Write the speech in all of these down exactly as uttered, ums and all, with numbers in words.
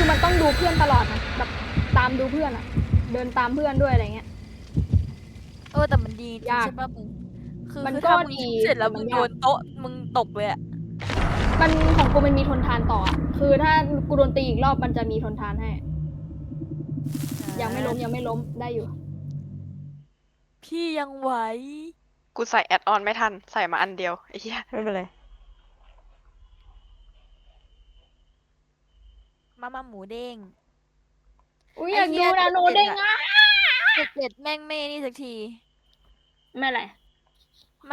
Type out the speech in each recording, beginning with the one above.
มันต้องดูเพื่อนตลอดนะแบบตามดูเพื่อนอะเดินตามเพื่อนด้วยอะไรเงี้ยเออแต่มันดีจริงยากใช่ป่ะมึงคือมันคือก็ถ้ามึงดีเสร็จแล้วแต่มัมึนงยากโดนโต๊ะมึงตกเลยอะมันของกูมันมีทนทานต่ออะคือถ้ากูโดนตีอีกรอบมันจะมีทนทานให้ ยังไม่ล้มยังไม่ล้มได้อยู่พี่ยังไหวกูใส่แอดออนไม่ทันใส่มาอันเดียวไอ้เหี้ยไม่เป็นไรมามาหมูเด้งอุ้ยไอ้อยากเหี้ดูยนาโนเจ็เด้ดงอะอ่ะเจ็ดแม่งไม่นี่สักทีไม่อะไรไม่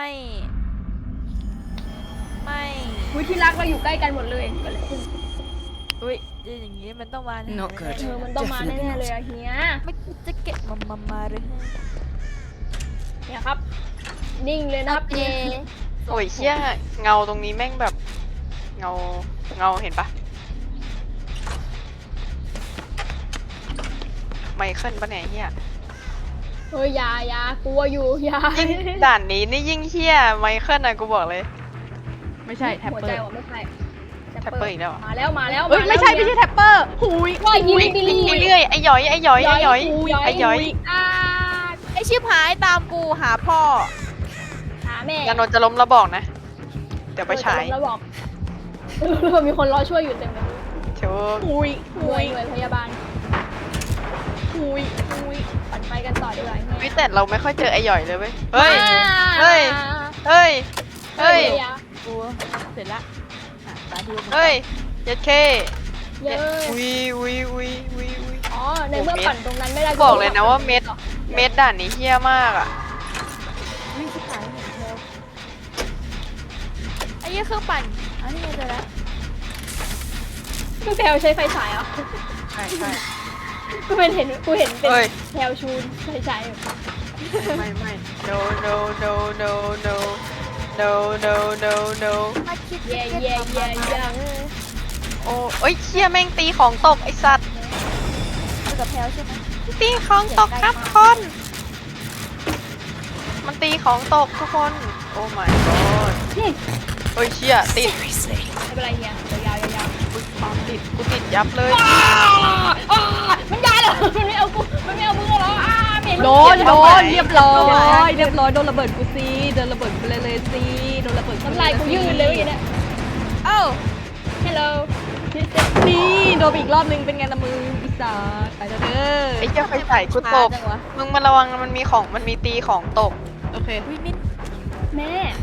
ไม่อุ้ยที่รักเราอยู่ใกล้กันหมดเลยเกิดอะไรขึ้นอุ้ยอย่างงี้มันต้องมาแน่ Not good เออมันต้องมาแน่ๆเลยอะเฮียไม่คิดจะเก็บมามามาเลยเนี่ยครับ นิ่งเลยนะครับเจโอ้ยเหี้ยเงาตรงนี้แม่งแบบ เงาเงาเห็นปะไมเคิลปะเนี่ยเหี้ยเฮ้ยอยาอยากลัวอยู่อยายิ่งด่านนี้นี่ยิ่งเหี้ยไมเคิลนะกูบอกเลยไม่ใช่แท็ปหัวเปอใจร์ว่ะไม่ใช่แท็ปเปอร์อีกแล้วเหรอมาแล้วมาแล้วเอ้ยาแล้วไม่ใช่ไม่ใช่แท็ปเปอร์หุยว่ายิงอุ้ยบิลลี่ไอ้เรื่อยไอ้หย้อยไอ้หย้อยไอ้หย้อยไอ้หย้อยอ่าไอชิบหายตามกูหาพ่อหาแม่ยานนท์จะล้มแล้วบอกนะ เดี๋ยวไปฉายแล้วบอกเออมีคนรอช่วยอยู่เต็มเลยเดี๋ยวหุยหหุน่วยยหน่วยพยาบาลหุยหุยปั่นไฟกันต่อดีกว่าเฮ้ยแต่เราไม่ค่อยเจอไอ้หย้อยเลยเว้ยเฮ้ยอ่าเฮ้ย เฮ้ย เฮ้ยกูเสร็จละอ่ะตาที่มึงเฮ้ยยัดเคเย้อุ้ยอุ้ยอุ้ยอุ้ยอุ้ยอ๋อในเมื่อปั่นตรงนั้นไม่ได้บอกเลยนะว่าเม็ด เม็ดด่านนี้เฮี้ยมากอ่ะวิ่งชิบหายเห็นเธอไอ้เหี้ยเครื่องปั่นอันนี้ไงเจอแล้วคือแพลวใช้ไฟฉายเหรอใช่ใช่กูเป็นเห็นกูเห็นเป็นเฮ้ยแพลวชูนไฟฉายอยู่ไม่ไม่ no no no no no no no no no มาคิดเย่เย่เย่เย่โอ้เอ้ยเชี่ยแม่งตีของตกไอสัตว์คือกับแพลวใช่ไหมตีของตกครับคน มันตีของตกทุกคน โอ้ my god เฮ้ยเชี่ยติดไม่เป็นไรเฮียยาวยาวกูติดกูติดยับเลยมันยาเหรอมันไม่เอากูมันไม่เอามึงเหรออ่าเหม็นโดนโดนเรียบร้อยเรียบร้อยโดนระเบิดกูซีโดนระเบิดกูเลยเลยซีโดนระเบิดน้ำลายกูยืดเลยเมื่อกี้เนี่ยเอ้า Hello นี่โดนไปอีกรอบนึงเป็นไงละมืออีสานไปแล้วเด้อไอ้เหี้ยไฟใส่กูตกจังวะมึงมาระวังมันมีของมันมีตีของตกโอเควิมินแม่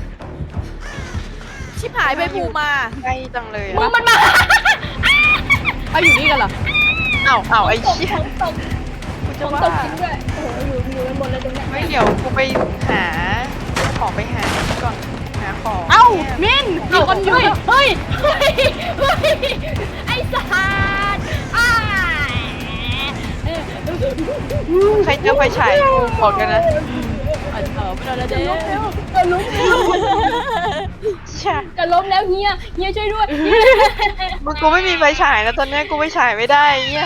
ชิบหายไปภูมาใกล้จังเลยมึงอะมันมาเอาอยู่นี่กันเหรอเอ้าเอ้าไอ้ตกเชี่ยของตกกูขจะองว่าตกจริงด้วยโอ้โหอยู่อยู่กันหมดเลยตรงเนี้ยไม่เดี๋ยวกูไปหาของไปหาก่อนหาของเอ้าเนี่ยมินมีคนอยู่เฮ้ยเฮ้ยเฮ้ยไอ้สัตว์อ้ายใครเจอไฟฉายกูบอกกันนะเออไม่โดนแล้วเด้จะล้มแล้วเชี่ยจะล้มแล้วเฮียเฮียช่วยด้วยมึงกูไม่มีไฟฉายแล้วตอนเนี้ยกูไปฉายไม่ได้ไอ้เหี้ย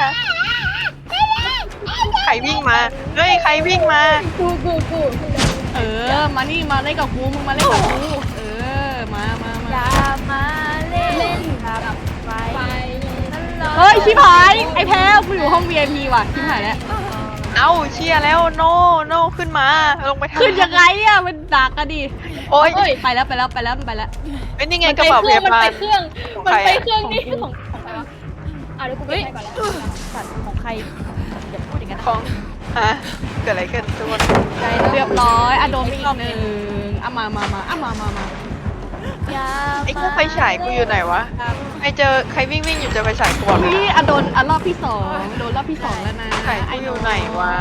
ใครวิ่งมาเฮ้ยใครวิ่งมากูกูกูเออมานี่มาเล่นกับกูมึงมาเล่นกับกูเออมามาอมาย่ามาเล่นกับไฟไปนั่นหรอเฮ้ยชิบหายไอ้แพ้วกูอยู่ห้อง วี ไอ พี ว่ะชิบหายแล้วเอ้าเชียร์แล้วโนโนขึ้นมาลงไปทำขึ้นยังไงอ่ะมันดักกันดิโอ๊ยไปแล้วไปแล้วไปแล้วไปแล้วเอ้ยนี่ไงมันกระไปเป๋าเคพรื่องยามันบาไปลเครื่องของมันใครไปอะเครื่องนี่ของของใครวะอ่ะเดี๋ยวกูไปให้ก่อนแล้วสัตว์ของใครอย่าพูดอย่างนั้นของฮะเกิดอะไรขึ้นทุกคนใจเรียบร้อยอะโดนไปอีกหนึ่งอ่ะมามามาอ่ะมามามาอย่าไอ้เครื่องไฟฉายกูอยู่ไหนวะใครเจอใครวิ่งวิ่งอยู่เจอไฟฉายกูบอกเลยพี่อะโดนอะรอบที่สองโดนรอบที่สองแล้วนะไฟฉายกูอยู่ไหนวะ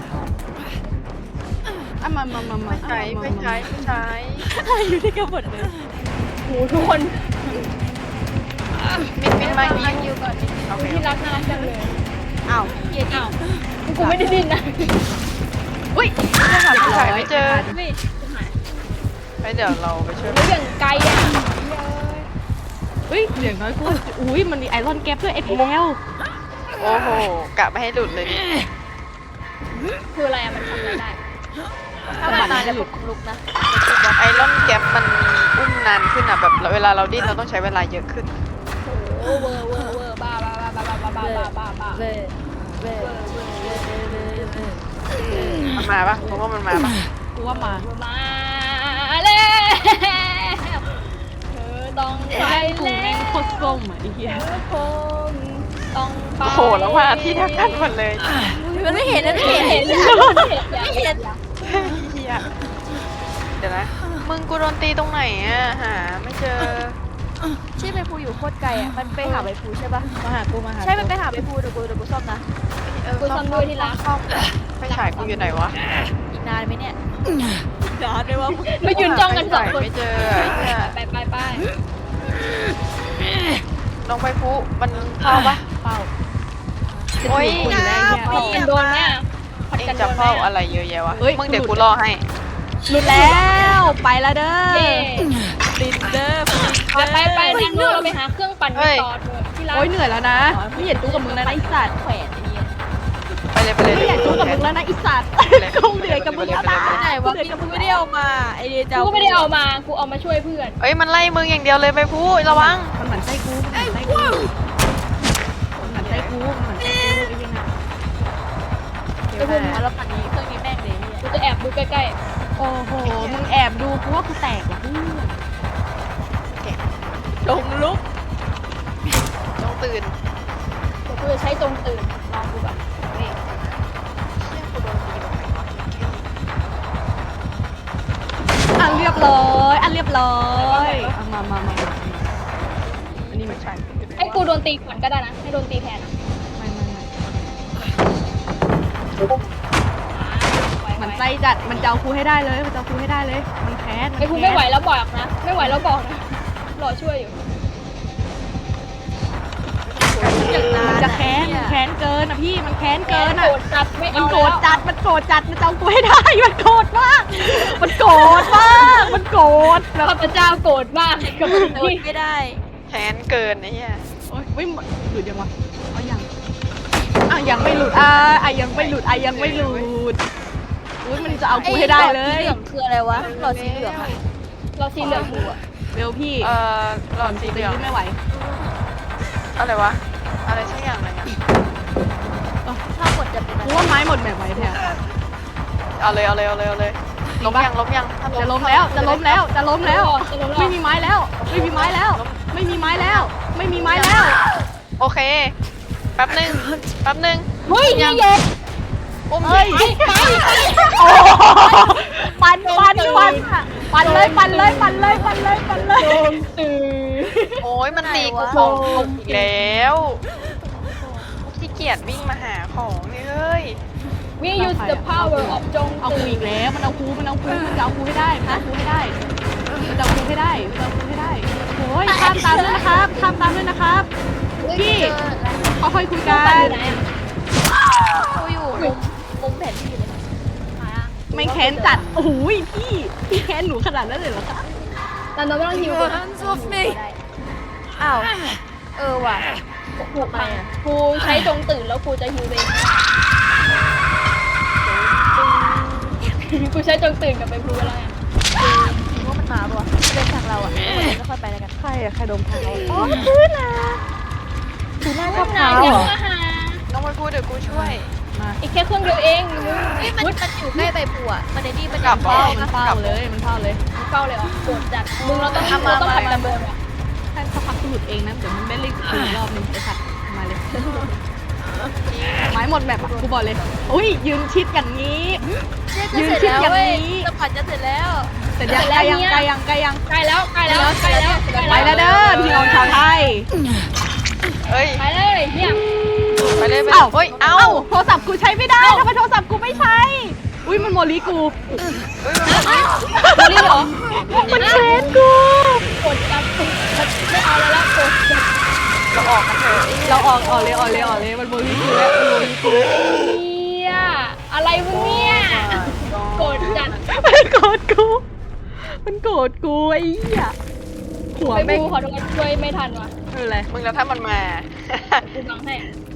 อ่ะมามามามาไฟฉายไฟฉายไฟฉายอยู่ที่กระบดเลยโหทุกคนมินมินมานั่ยิงงอยู่ก่อนโอเคที่รักน่ารักจังเลยอ้าวเหี้ยดิอ้าวกูไม่ได้ดินนะอุ้ยไฟฉายไม่เจอเฮ้ยหายเฮ้ยเดี๋ยวเราไปช่วยแล้วอย่างไกลอ่ะเฮ้ยอย่างน้อยกูอุ้ยมันมีไอรอนแก๊ปด้วยไอ้แพลวโอ้โหกะไม่ให้หลุดเลยดิคืออะไรอ่ะมันทำอะไรได้ถ้ามันนานแล้วผมลุกนะไอรอนแก๊ปมันอุ้มนานขึ้นอ่ะแบบเวลาเราดิ้นเราต้องใช้เวลาเยอะขึ้นโอ้โหเวอร์เวอร์เวอร์บ้าบ้าบ้าบ้าบ้าบ้าบ้าบ้าบ้าบ้าเว้ยเว้ยเว้ยเว้ยเว้ยเว้ยเว้ยมันมาปะผมว่ามันมาปะกูว่ามามาแล้วเธอต้องไปกูแล้แม่งวโคตรส้มอ่ะไอ้เหี้ยเธอคงต้องไปโอ้โหแล้วมาที่เดียวกันหมดเลยมันไม่เห็นนะไม่เห็นเห็นเห็นไม่เห็นเฮียเดี๋ยวนะมึงกูโดนตีตรงไหนอะหาไม่เจอที่ใบพูอยู่โคตรไกลอ่ะมันไปหาใบพูใช่ปะมาหากูมาหาใช่มันไปหาใบพูเดี๋ยวกูเดี๋ยวกูซ่อมนะเออกูทำด้วยที่รักไฟฉายกูอยู่ไหนวะอีกนานไหมเนี่ยนานไหมวะมายืนจ้องกันสองคนไม่เจอไอ้เหี้ยไปไปไปลงไปพุมันเข้าปะเป้าโอ้ยจะถึงคนแล้วไอ้เหี้ยผัดกันโดนแม่ผัดเอ็งกันโดจะนเฝ้าแม่อะไรเยอะแยะวะเฮ้ยมึงเดี๋ยวกูกูหลุดรอให้หลุดแล้วไปแล้วเด้อเย้ลินเดอร์ไปไปไปนั่งดูเราไปหาเครื่องปั่นกันต่อเถอะที่รักโอ้ยเหนื่อยแล้วนะไม่อยากจู้กับมึงแล้วนะไอ้สัตว์แขวนไอ้เนี่ยไปเลยไปเลยไม่อยากจู้กับมึงแล้วนะไอ้สัตว์กูเหนื่อยกับมึงแล้วนะไหนวะพี่กูไม่ได้เอามาไอเดียจะกูก็ไม่ได้เอามากูเอามาช่วยเพื่อนเอ้ยมันไล่มึงอย่างเดียวเลยไปพุระวังมันเหมือนไส้กูมันเหมือนไส้กูมันเหมือนไส้กูมันเหมือนไส้กูไอ้เหี้ยน่ะไปพูดมาแล้วปั่นนี้เครื่องนี้แม่งเลยเนี่ยกูจะแอบดูใกล้โอ้โหมึงแอบดูกูว่ากูแตกว่ะเพื่อนลงลุกต้องตื่นๆเดี๋ยวกูจะใช้จงตื่นลองดูแบบนี่เชี่ยกูโดนตีตรงไหนวะอันเรียบร้อยอันเรียบร้อยเอามามามามาอันนี้ไม่ใช่ให้กูโดนตีก่อนก็ได้นะให้โดนตีแทนอะไม่ไม่ไม่ไวๆมันใจจัดมันจะเอากูให้ได้เลยมันจะเอากูให้ได้เลยมันแค้นไอ้กูไม่ไหวแล้วบอกนะไม่ไหวแล้วบอกนะรอช่วยอยู่มันจะแค้นมันแค้นเกินอ่ะพี่มันแค้นเกินอ่ะโกรธจัดไม่มัเอานโกรธแล้วจัดมันโกรธจัดมันจะเอากูให้ได้มันโกรธมากมันโกรธมากมันโกรธแบบข้าพเจ้าโกรธมากกับสิ่งโดนที่ไม่ได้แค้นเกินไอ้เหี้ยโอ๊ยไม่หลุดยังวะเอายังอ่ะยังไม่หลุดอ่ะอ่ะยังไม่หลุดอ่ะยังไม่หลุดอุ้ยมันจะเอากูให้ได้เลยหลอดสีเหลืองคืออะไรวะหลอดสีเหลืองอะเราสีเหลืองอยู่อะเบลพี่เอ่อหลอดสีเหลืองไม่ไหวอะไรวะอะไรสักอย่างหนึงอะถ้ากดจะเป็นอะกูไรว่าไม้หมดแบบไว้แท้เอาเลยเอาเลยเอาเลยเอาเลยล้มยังล้มยังถ้าจะล้มแล้วจะล้มแล้วจะล้มแล้วจะล้มแล้วไม่มีไม้แล้ว ไม่มีไม้แล้ว ไม่มีไม้แล้ว ไม่มีไม้แล้วโอเคแป๊บหนึงแป๊บหนึงเฮ้ยนี่เย็นอุ้มเฮ้ยไปไปไปโอ้ปันปันปันปันเลยปันเลยปันเลยปันเลยปันเลยโดนตื่นโอ้ยมันตีกูสองตุ่มอีกแล้วขี้เกียจวิ่งมาหาของนี่เฮ้ย We use the power of จงเอากูตื่อีนกแล้วมันเอากูมันเอากูมันจะเอากูให้ได้มันเอากูให้ได้มันจะเอากูให้ได้มันจะเอากูให้ได้โอ้ยข้ามตามด้วยนะครับข้ามตามด้วยนะครับ พี่ ค่อยๆคุยกัปั่นนอยู่ไหนอะกูอยู่มุมมุมแผนที่เลยหาไม่แค้นจัดโอ้โหพี่พี่แค้นหนูขนาดนั้นเลยเหรอคะแต่เราไม่ต้องฮิวกันอ้าวเออว่ะกูพังกูใช้จงตื่นแล้วกูจะฮิวเองกูใช้จงตื่นกับไปพูแล้วไงคิดว่ามันมาปะวะเดินทางเราอ่ะไม่ค่อยไปแล้วกันใครอะใครดมเท้าอ๋อพื้นนะคือหน้าชอบเท้าเดี๋เหยวรอมาหาน้องไปพูดเดี๋ยวกูช่วยมาอีกแค่เครื่องเดียวเองเฮ้ยมันมันอยู่ใกล้ใบบัวมันในนี่มันกลับเฝ้าเหรอมันเฝ้าเลยมันเฝ้าเลยเฝ้าเลยเหรอโกรธจัดมึงเราต้องเอามาเราต้องมาผัดกันเดินอะถ้าสักพักกูหลุดเองนะเดี๋ยวมันไม่เล่นกูอีกรอบนึงไอ้สัตว์มาเลยไม้หมดแบบอะกูบอกเลยอุ้ยยืนชิดอย่างนี้ยืนเสร็จแล้วเว้ยสปัดจะเสร็จแล้วแต่ยังไกลยังไกลยังไกลยังใกล้แล้วใกล้แล้วใกล้แล้วไปแล้วเด้อพี่น้องชาวไทยเอ้ยไปเลยเนี่ยไปเลยไปเลยเอ้าเฮ้ย เอ้าเอ้าโทรศัพท์กูใช้ไม่ได้ทำไมโทรศัพท์กูไม่ใช้อุ้ยมันโมลีกูเฮ้ยมันมาโมลี่เหรอมันเชนกูกดจับไม่เอาแล้วละกดจับเราออกกันเถอะเราออกออกเลยออกเลยออกเลยมันโมลีกูแล้วมันโมลีกูเนี่ยอะไรวะเนี่ยกดจัดมันโกรธกูมันโกรธกูไอ้เหี้ยหัวไปแม่งบูขอโทษช่วยไม่ทันว่ะไม่เป็นไรมึงแล้วถ้ามันมากูบังให้